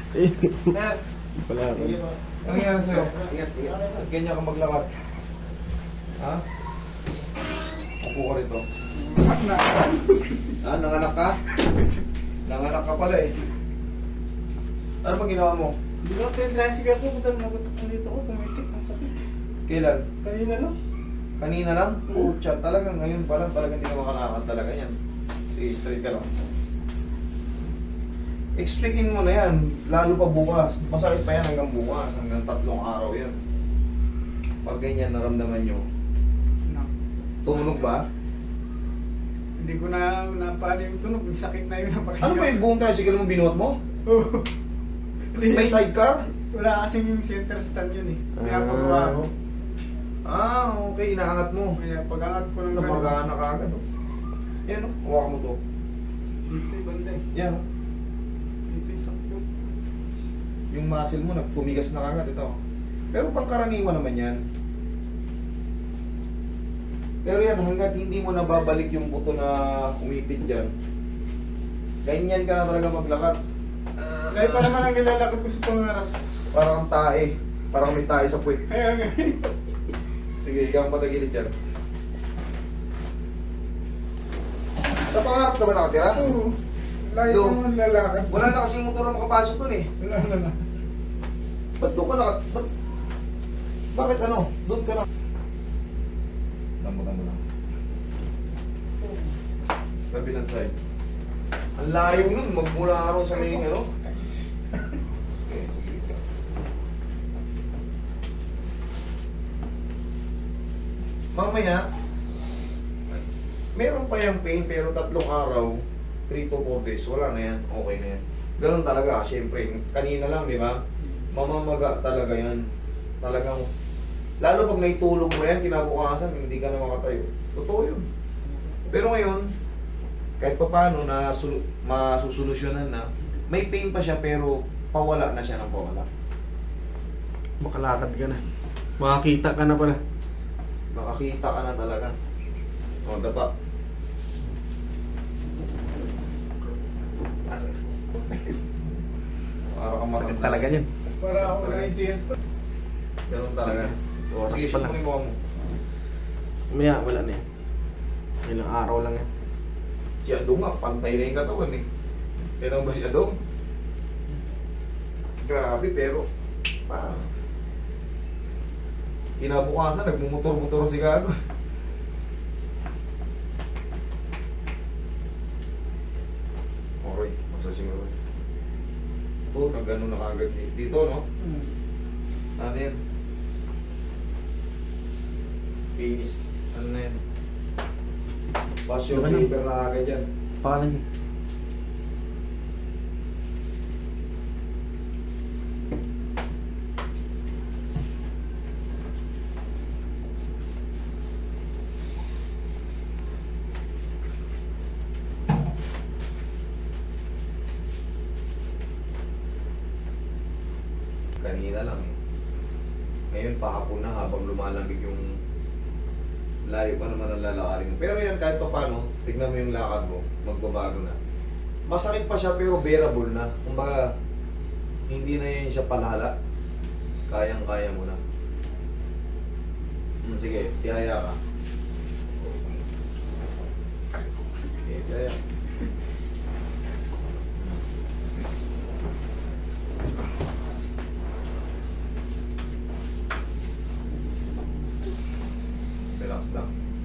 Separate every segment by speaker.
Speaker 1: Pala ako.
Speaker 2: Ano nangyari sa'yo? Ganyan ka maglakad. Ha? Upo ka rito. Ah, nanganak ka? Nanganak ka pala eh. Ano ba ginawa mo?
Speaker 3: Hindi ko ito yung tricycle ko. Butal nagutok ko dito ko. Pumitik. Ang sakit.
Speaker 2: Kailan?
Speaker 3: Kanina lang.
Speaker 2: Kanina lang? Pucha, talaga ngayon pa lang talaga hindi ka makalakad talaga yan. Sige, straight ka lang. Expectin mo na yan, lalo pa bukas. Masakit pa yan hanggang bukas, hanggang 3 araw yan. Pag ganyan naramdaman nyo,
Speaker 3: No.
Speaker 2: tumunog ba?
Speaker 3: Hindi ko na napali yung tunog. Yung sakit na yun.
Speaker 2: Ano ba yung buong tricycle mo binuhat mo?
Speaker 3: Oo.
Speaker 2: May sidecar?
Speaker 3: Wala kasing yung center stand yun eh. Kaya pagawa ko.
Speaker 2: Ah, okay, inaangat mo.
Speaker 3: Kaya pag-angat ko ng
Speaker 2: Napagana ka agad. Oh. Yan oh, hawakan mo to.
Speaker 3: Dito yung banda eh.
Speaker 2: Yan oh.
Speaker 3: Dito yung sakto.
Speaker 2: Yung muscle mo nagtumigas na kagad ito. Pero pangkaraniwan naman yan. Pero yan, hanggat hindi mo nababalik yung buto na umipit dyan, ganyan ka na talaga maglakad.
Speaker 3: Kaya pa naman ang nilalakad ko sa pangarap.
Speaker 2: Parang kang tae. Parang may tae sa puwet.
Speaker 3: Kaya nga.
Speaker 2: Sige, ikaw ang patagilid dyan. Sa pangarap ka ba nakatira?
Speaker 3: Oo. Layo
Speaker 2: Do.
Speaker 3: naman lalakad.
Speaker 2: Wala na kasing motor na makapasok dun eh.
Speaker 3: Wala na.
Speaker 2: Ba't doon ka ba't... Bakit ano? Doon ka na. Tamo lang. Kabilang side. Ang layo nun, magmula araw sa may ano. Okay. Mamaya, meron pa yung pain pero 3 araw, 3 to 4 days, wala na yan, okay na yan. Ganun talaga, syempre, kanina lang, di ba? Mamamaga talaga yan. Talagang, lalo pag naitulog mo yan, kinabukasan, hindi ka na makatayo. Totoo yun. Pero ngayon, kahit pa paano na masusolusyonan na, may pain pa siya pero pawala na siya ng pawala.
Speaker 1: Makalakad ka na. Makakita ka na pala.
Speaker 2: Makakita ka na talaga. O, dapa. Para kang
Speaker 1: Sakit
Speaker 2: matanda.
Speaker 1: talaga yan.
Speaker 3: Para ako 90 years pa.
Speaker 2: Ganun talaga.
Speaker 1: Oras
Speaker 2: Sige,
Speaker 1: pa
Speaker 2: shoot
Speaker 1: lang.
Speaker 2: mo yung mukha mo.
Speaker 1: Maya, wala na yan. Ilang araw lang yan.
Speaker 2: Si Adong nga, pantay na yung katawan eh. Kailan ba si Adong? Grabe, pero... Kinabukasan, nagmumotor-motor si Gago. Okay, masasiguro. Ito, nag-ano na kagad dito, no? Ano yan? Finish. Ano na yan? Pass yung
Speaker 1: Diba na?
Speaker 2: paper na agad yan.
Speaker 1: Pangalan niya.
Speaker 2: Kanina lang eh. Ngayon pahapon na habang lumalamig yung layo pa naman ang lalakarin mo. Pero yan kahit pa paano, tignan mo yung lakad mo, magbabago na. Masakit pa siya pero bearable na. Kumbaga, hindi na yan siya palala. Kayang-kaya mo na. Sige, tihaya ka. Okay, tihaya. Relax lang.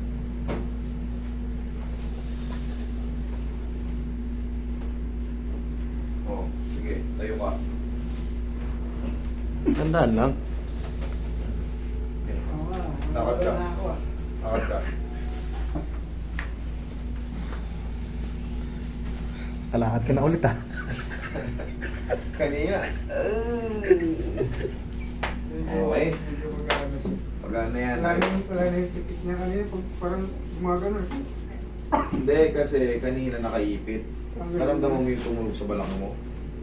Speaker 2: Oh, sige, tayo ka.
Speaker 1: Tandaan lang.
Speaker 3: Oo nga.
Speaker 2: Lakad ka.
Speaker 3: Wala na ako ah.
Speaker 2: Lakad ka.
Speaker 1: Kalakad ka na ulit ah.
Speaker 2: Kanina. Okay.
Speaker 3: Medyo magkano siya.
Speaker 2: Magana yan.
Speaker 3: Wala na yung sikit niya kanina. Parang gumagano.
Speaker 2: Hindi, kasi kanina nakaipit. Naramdaman mo yung tumunog sa balakang mo.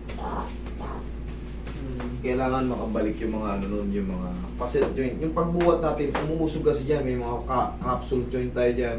Speaker 2: Kailangan makabalik yung mga ano nun, yung mga facet joint. Yung pagbuhat natin, umuusog kasi dyan, may mga capsule joint tayo dyan.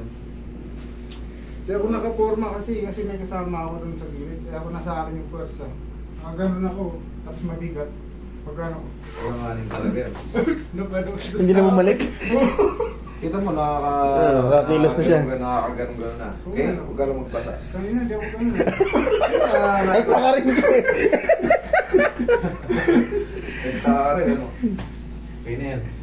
Speaker 3: Kaya ako nakaporma kasi may kasama ako dun sa gilid. Kaya ako nasa akin yung pwersa. Ganun ako. Tapos mabigat. Pag ano.
Speaker 2: Kailanganin talaga yan.
Speaker 3: Napados-dos
Speaker 1: Hindi na bumalik.
Speaker 2: Kita mo,
Speaker 1: Nakakilos na siya.
Speaker 2: Nakakaganon-ganon na. Okay, huwag ka lang magbasa.
Speaker 3: Kanina, di ako ganun.
Speaker 1: Ay, taka rin siya eh.
Speaker 2: Nagtaka rin, ano? Okay na yan.